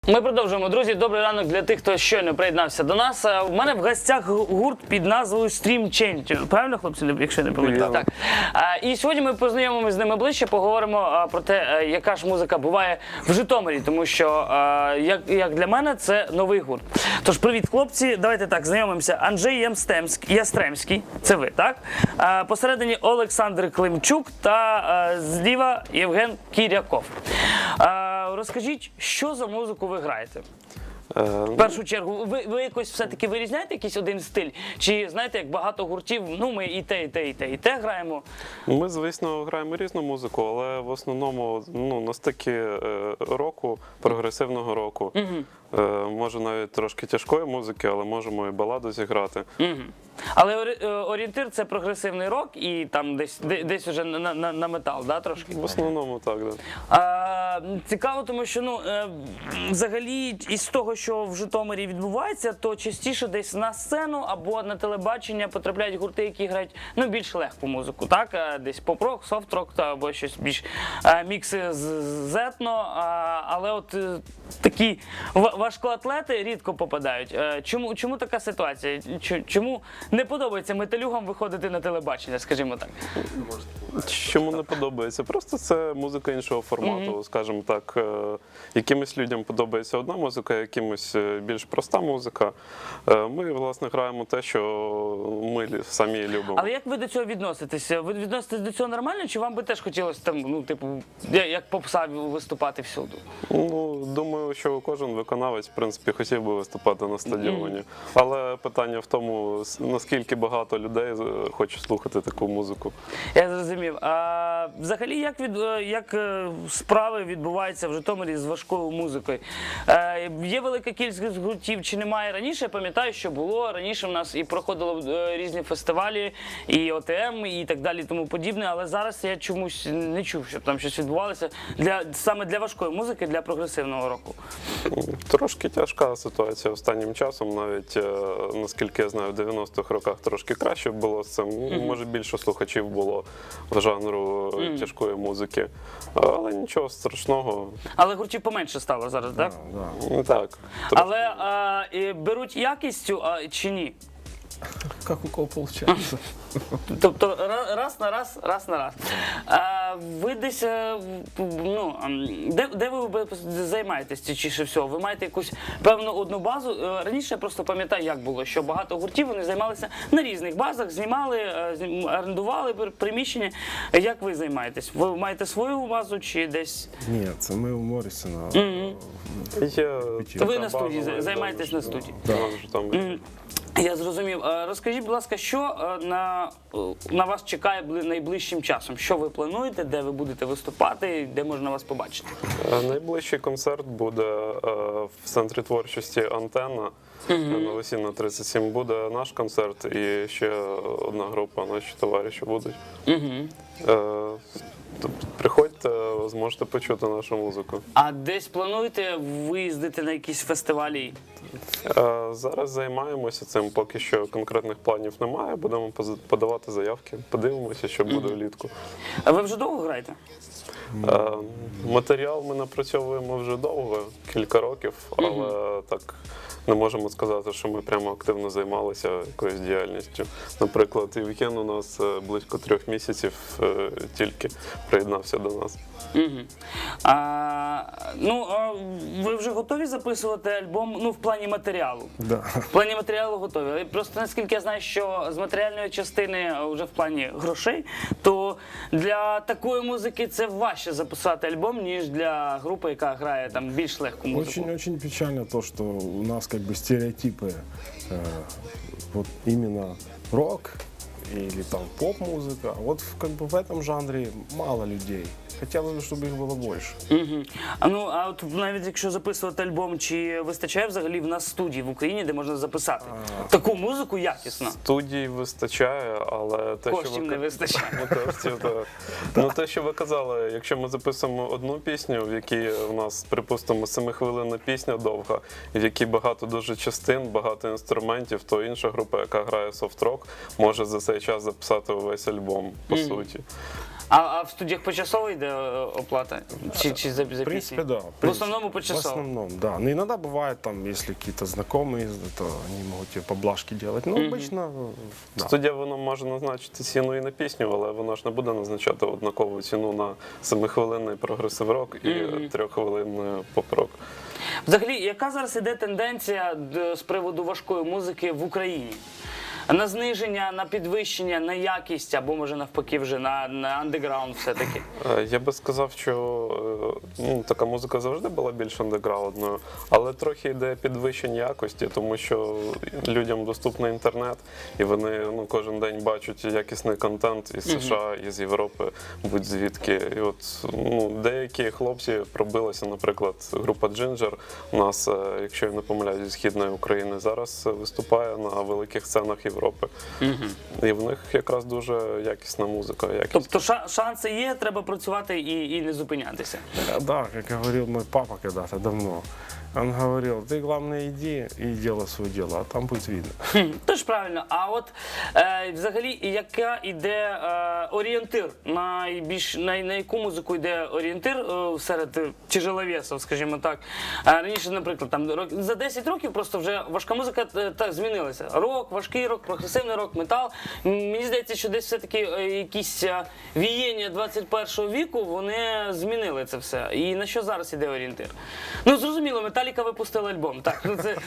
Ми продовжуємо, друзі. Добрий ранок для тих, хто щойно приєднався до нас. У мене в гостях гурт під назвою Stream Change. Правильно, хлопці, якщо не помиляюсь? Так. І сьогодні ми познайомимося з ними ближче, поговоримо про те, яка ж музика буває в Житомирі, тому що, як для мене, це новий гурт. Тож, привіт, хлопці. Давайте так, знайомимося. Анджей Ястремський, це ви, так? Посередині Олександр Климчук та зліва Євген Кіряков. Розкажіть, що за музику ви граєте? В першу чергу, ви якось все-таки вирізняєте якийсь один стиль? Чи, знаєте, як багато гуртів, ну ми і те граємо? Ми, звісно, граємо різну музику, але в основному на стикі року, прогресивного року. Може навіть трошки тяжкої музики, але можемо і баладу зіграти. Але орієнтир – це прогресивний рок і там десь уже на метал, да, трошки? В основному так, да. Цікаво, тому що, взагалі, із того, що в Житомирі відбувається, то частіше десь на сцену або на телебачення потрапляють гурти, які грають, більш легку музику, так? Десь поп-рок, софт-рок або щось більш мікси з етно, але от такі важкоатлети рідко попадають. Чому така ситуація? Чому не подобається металюгам виходити на телебачення, скажімо так? Чому не подобається? Просто це музика іншого формату, скажімо так. Якимось людям подобається одна музика, якимось більш проста музика. Ми, власне, граємо те, що ми самі любимо. Але як ви до цього відноситеся? Ви відноситесь до цього нормально, чи вам би теж хотілося там, як попса виступати всюди? Думаю, що кожен виконавець, в принципі, хотів би виступати на стадіоні. Але питання в тому, наскільки багато людей хоче слухати таку музику. Я зрозумів. А взагалі, як справи відбуваються в Житомирі з важкою музикою? Є велика кількість гуртів, чи немає раніше? Я пам'ятаю, що було. Раніше в нас і проходило різні фестивалі, і ОТМ, і так далі, і тому подібне. Але зараз я чомусь не чув, щоб там щось відбувалося саме для важкої музики, для прогресивного року. Трошки тяжка ситуація останнім часом. Навіть, наскільки я знаю, в 90-х роках трошки краще було з цим. Може, більше слухачів було в жанру тяжкої музики. Але нічого страшного. Але гуртів поменше стало зараз, так? Так. Але беруть якістю чи ні? Как у кого получается. Тобто раз на раз. Ви десь, де ви займаєтесь частіше всього? Ви маєте якусь певну одну базу? Раніше я просто пам'ятаю, як було, що багато гуртів, вони займалися на різних базах, знімали, орендували приміщення. Як ви займаєтесь? Ви маєте свою базу чи десь? Ні, це ми у Моррісона. Ви на студії, займаєтесь на студії? Так. Я зрозумів. Розкажіть, будь ласка, що на вас чекає найближчим часом? Що ви плануєте, де ви будете виступати, де можна вас побачити? Найближчий концерт буде в центрі творчості «Антенна» на Лосіна 37. Буде наш концерт і ще одна група, наші товариші будуть. Приходьте, зможете почути нашу музику. А десь плануєте виїздити на якісь фестивалі? Зараз займаємося цим, поки що конкретних планів немає. Будемо подавати заявки, подивимося, що буде влітку. А ви вже довго граєте? Матеріал ми напрацьовуємо вже довго, кілька років, але так не можемо сказати, що ми прямо активно займалися якоюсь діяльністю. Наприклад, Євген у нас близько 3 місяців тільки приєднався до нас. Ви вже готові записувати альбом, в плані матеріалу? Да. В плані матеріалу готові. Просто наскільки я знаю, що з матеріальної частини вже в плані грошей, то для такої музики це важче записати альбом, ніж для групи, яка грає там більш легку музику. Очень печально то, что у нас как бы стереотипы, вот именно рок или там поп-музыка. Вот как бы в этом жанре мало людей. Хотілося б, щоб їх було більше. А от навіть якщо записувати альбом, чи вистачає взагалі в нас студії в Україні, де можна записати таку музику якісно? Студій вистачає, але Коштів не вистачає. Те, що ви казали, якщо ми записуємо одну пісню, в якій у нас, припустимо, 7-хвилинна пісня довга, в якій багато дуже частин, багато інструментів, то інша група, яка грає софт-рок, може за цей час записати увесь альбом, по суті. А в студіях почасово йде оплата? Чи за В пісню? принципе, да. В основному В почасово. основном, да. Но иногда бывает, там, если какие-то знакомые, то они могут тебе поблажки делать. Но обычно, да. Студія воно може назначити ціну і на пісню, але воно ж не буде назначати однакову ціну на 7-хвилинний прогресив-рок і 3-хвилинний поп-рок. Взагалі, яка зараз іде тенденція з приводу важкої музики в Україні? На зниження, на підвищення, на якість, або може навпаки вже на андеграунд все-таки? Я би сказав, що така музика завжди була більш андеграундною, але трохи йде підвищення якості, тому що людям доступний інтернет, і вони кожен день бачать якісний контент із США, із Європи, будь-звідки. І от деякі хлопці пробилися, наприклад, група Ginger у нас, якщо я не помиляюсь, зі Східної України, зараз виступає на великих сценах Європи. І в них якраз дуже якісна музика. Тобто шанси є, треба працювати і не зупинятися. Да, как говорил мой папа когда-то давно. Он говорил, ты главное иди и делай свое дело, а там будет видно. Тож правильно. А от взагалі, яка іде орієнтир? На яку музику йде орієнтир серед тяжеловесів, скажімо так? Раніше, наприклад, там за 10 років просто вже важка музика так змінилася. Рок, важкий рок, прогресивний рок, метал. Мені здається, що десь все-таки якісь віяння 21 віку, вони змінили це все. І на що зараз іде орієнтир? Ну, зрозуміло, Металіка випустила альбом. Так, ну це...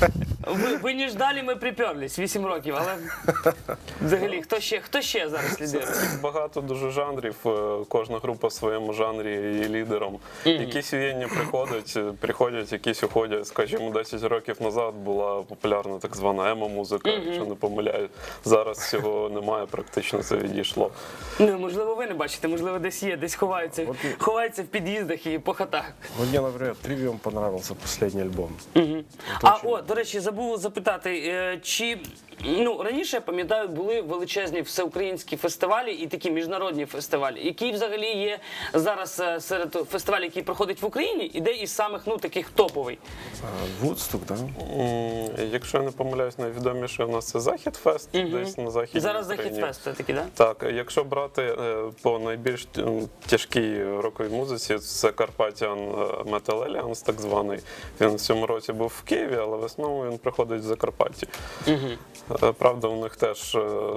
Ви не ждали, ми приперлись 8 років, але взагалі, хто ще зараз лідирує? Багато дуже жанрів, кожна група в своєму жанрі є лідером. Якісь віяння приходять, якісь уходять. Скажімо, 10 років назад була популярна так звана емо-музика, якщо не помиляю. Зараз цього немає, практично це відійшло. Ну, можливо, ви не бачите, можливо, десь є, десь ховаються в під'їздах і по хатах. Вот мне, например, Trivium понравился последний альбом. До речі, забув запитати, чи раніше, я пам'ятаю, були величезні всеукраїнські фестивалі і такі міжнародні фестивалі, які взагалі є зараз серед фестивалів, які проходять в Україні, іде із самих таких топовий. Вудсток, да? Якщо я не помиляюсь, найвідоміше у нас це Захід-фест, десь на Західній Зараз Україні. Захід-фест все-таки, так? Так, якщо брати по найбільш тяжкій роковій музиці, це Carpathian Metal Alliance, так званий. Він в цьому році був в Києві, але в основному він приходить в Закарпатті. Правда, у них теж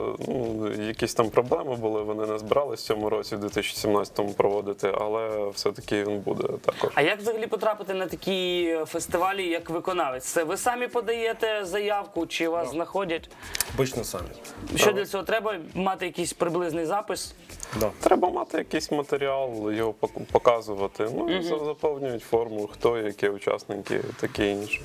якісь там проблеми були, вони не збирались в цьому році, в 2017-му проводити, але все-таки він буде також. А як взагалі потрапити на такі фестивалі, як виконавець? Це ви самі подаєте заявку, чи вас знаходять? Обычно сами. Що для цього треба? Мати якийсь приблизний запис? Да. Треба мати якийсь матеріал, його показувати, і заповнюють форму, хто, які учасники, таке інше.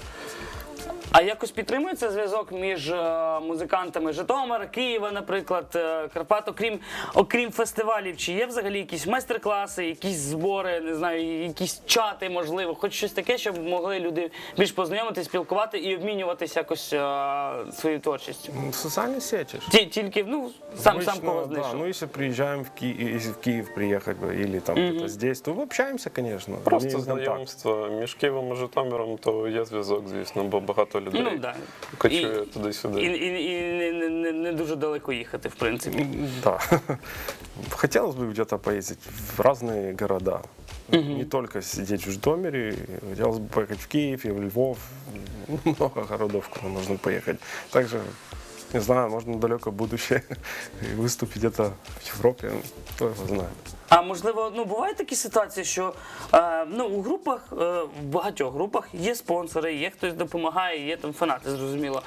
А якось підтримується зв'язок між музикантами Житомира, Києва, наприклад, Карпат, окрім фестивалів? Чи є взагалі якісь майстер-класи, якісь збори, не знаю, якісь чати, можливо, хоч щось таке, щоб могли люди більш познайомитися, спілкувати і обмінюватися якось своєю творчістю? Социальные сети. Тільки, сам кого Да, знайшов. если приезжаем если в Киев приехать или там где-то здесь, то общаемся, конечно. Просто имеем контакт. знайомство між Києвом і Житомиром, то є зв'язок, звісно, бо багато людей Да. кочує туди-сюди. І не дуже далеко їхати, в принципі. Да. Хотелось бы где-то поездить в разные города. Не только сидеть в Житомире. Хотелось бы поехать в Киев и в Львов. Много городов, куда можно поехать. Также, не знаю, можно в далекое будущее выступить где-то в Европе. Кто его знает. А можливо, бувають такі ситуації, що у групах, в багатьох групах є спонсори, є хтось допомагає, є там фанати, зрозуміло.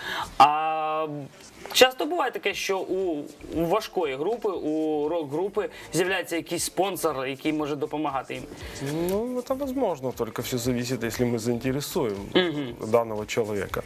А часто буває таке, що у важкої групи, у рок-групи з'являється якийсь спонсор, який може допомагати їм. Это возможно, только все зависит, если мы заинтересуем данного человека.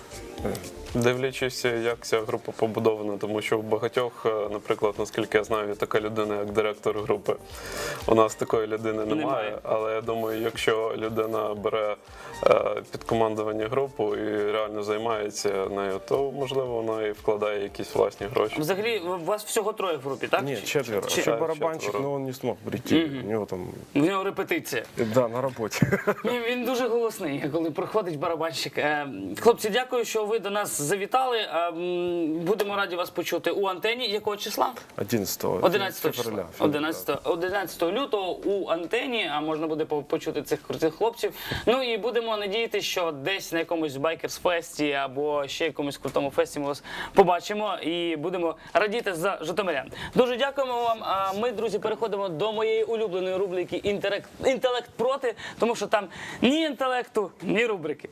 Дивлячись, як ця група побудована, тому що в багатьох, наприклад, наскільки я знаю, є така людина, як директор групи. У нас такої людини немає, але я думаю, якщо людина бере під командування групу і реально займається нею, то, можливо, вона і вкладає якісь власні гроші. Взагалі, у вас всього троє в групі, так? Нет, четверо. Чи- Еще барабанщик, четверо. но он не смог прийти. У него там, В нього репетиція. да, на работе. Він дуже голосний, коли проходить барабанщик. Хлопці, дякую, що ви до нас нас завітали. Будемо раді вас почути у антені. Якого числа? 11 11 февраля. числа. 11 лютого у антені, а можна буде почути цих крутих хлопців. Ну і будемо надіятися, що десь на якомусь байкерс-фесті або ще якомусь крутому фесті ми вас побачимо і будемо радіти за житомирян. Дуже дякуємо вам. А ми, друзі, переходимо до моєї улюбленої рубрики «Інтелект проти», тому що там ні інтелекту, ні рубрики.